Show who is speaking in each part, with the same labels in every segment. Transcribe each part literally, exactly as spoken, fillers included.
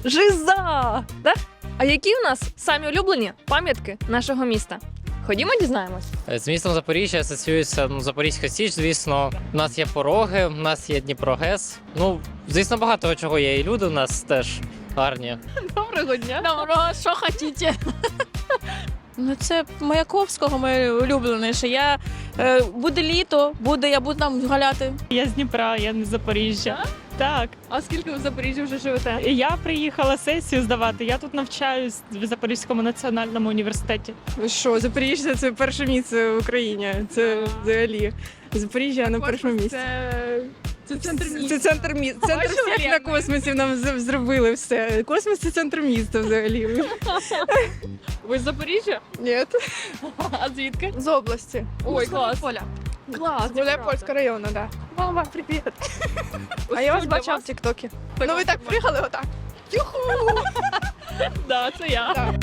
Speaker 1: Жиза! Да? А які у нас самі улюблені пам'ятки нашого міста? Ходімо, дізнаємось.
Speaker 2: З містом Запоріжжя асоціюється ну, Запорізька Січ, звісно. У нас є пороги, у нас є Дніпрогес. Ну, звісно, багато чого є. І люди у нас теж гарні.
Speaker 1: Доброго дня.
Speaker 3: Доброго, що хочете? Ну, це Маяковського, моє улюблене, що я е, буде літо, буде, я буду там гуляти.
Speaker 4: Я з Дніпра, я не з Запоріжжя. Так.
Speaker 1: А скільки ви в Запоріжжі вже живете?
Speaker 4: І я приїхала сесію здавати. Я тут навчаюсь в Запорізькому національному університеті.
Speaker 5: Ви що, Запоріжжя – це перше місце в Україні. Це взагалі Запоріжжя на першому місці.
Speaker 1: Це, це центр міста.
Speaker 5: Це центр міста. Центр
Speaker 1: Бачила,
Speaker 5: всіх на
Speaker 1: як?
Speaker 5: космосі нам з- зробили все. Космос – це центр міста взагалі.
Speaker 1: Ви з Запоріжжя?
Speaker 5: Ні.
Speaker 1: А звідки?
Speaker 5: З області.
Speaker 1: Ой, клас. Клас.
Speaker 5: Гуляйпольського району, так. Мама, привіт. А я вас бачила в Тіктокі. Ну ви так приїхали отак. Юху!
Speaker 1: Да, це я.
Speaker 5: Так.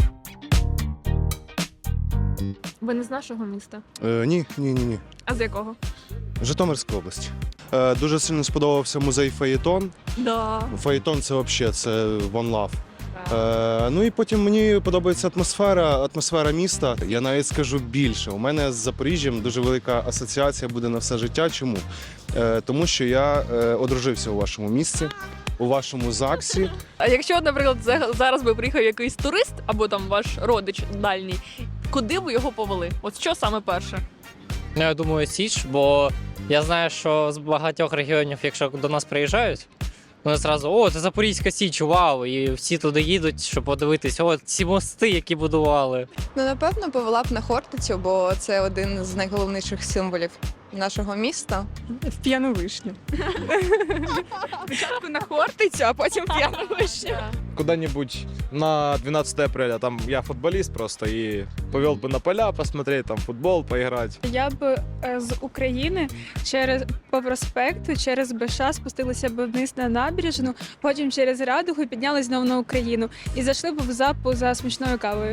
Speaker 1: Ви не з нашого міста?
Speaker 6: Е, ні, ні, ні, ні.
Speaker 1: А з якого?
Speaker 6: Житомирська область. Е, дуже сильно сподобався музей Фаєтон.
Speaker 1: Да.
Speaker 6: Фаєтон це взагалі це One Love. Е, ну і потім мені подобається атмосфера, атмосфера міста. Я навіть скажу більше. У мене з Запоріжжям дуже велика асоціація буде на все життя. Чому? Е, тому що я е, одружився у вашому місці, у вашому ЗАГСі.
Speaker 1: А якщо, наприклад, за- зараз би приїхав якийсь турист або там ваш родич дальній, куди ви його повели? От що саме перше?
Speaker 2: Ну, я думаю, Січ, бо я знаю, що з багатьох регіонів, якщо до нас приїжджають, вони зразу, о, це Запорізька Січ, вау! І всі туди їдуть, щоб подивитись, о, ці мости, які будували.
Speaker 7: Ну, напевно, повела б на Хортицю, бо це один з найголовніших символів нашого міста.
Speaker 5: В п'яну вишню. Спочатку на Хортицю, а потім в п'яну вишню.
Speaker 8: Куда-нибудь на двенадцатое апреля. Там я футболист просто и повел бы на поля посмотреть, там футбол поиграть.
Speaker 9: Я б е, з України через по проспекту, через БШ спустилася б вниз на набережну, потім через Радугу піднялись знову на Україну і зайшли б в запу за смачною кавою.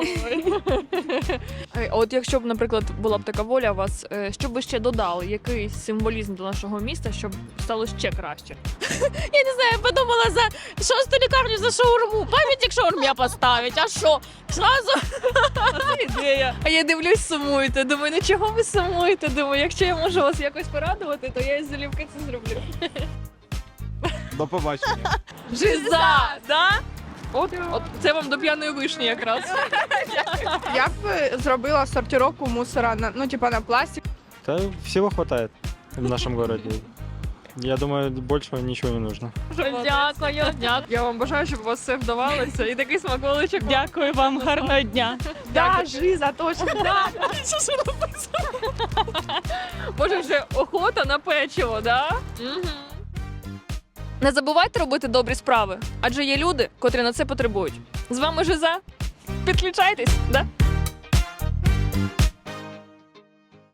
Speaker 1: Ей, А от якщо б, наприклад, була б така воля у вас, е, що б ви ще додали, який символізм до нашого міста, щоб стало ще краще?
Speaker 3: Я не знаю, я подумала за шосту лікарню за шаурму. Пам'ятник шаурмі поставить, а що? Зразу
Speaker 1: Ідея. А я дивлюсь, сумуєте. Думаю, ну чого ви сумуєте? Думаю, якщо я можу вас якось порадувати, то я із залюбки це зроблю.
Speaker 8: До побачення.
Speaker 1: Жиза! Да? От, от це вам до п'яної вишні якраз.
Speaker 5: Я б зробила сортировку мусора, на, ну, типа на пластик.
Speaker 10: Да, всего хватает в нашем городе. Я думаю, большего ничего не нужно.
Speaker 1: Дякую, дякую. Я вам бажаю, щоб у вас все вдавалося. І такий смаколичок.
Speaker 4: Дякую вам, гарного дня.
Speaker 5: Да, жиза, точно. Да.
Speaker 1: Може вже охота на печиво, да? Угу. Не забувайте робити добрі справи, адже є люди, котрі на це потребують. З вами Жиза. Підключайтесь, да?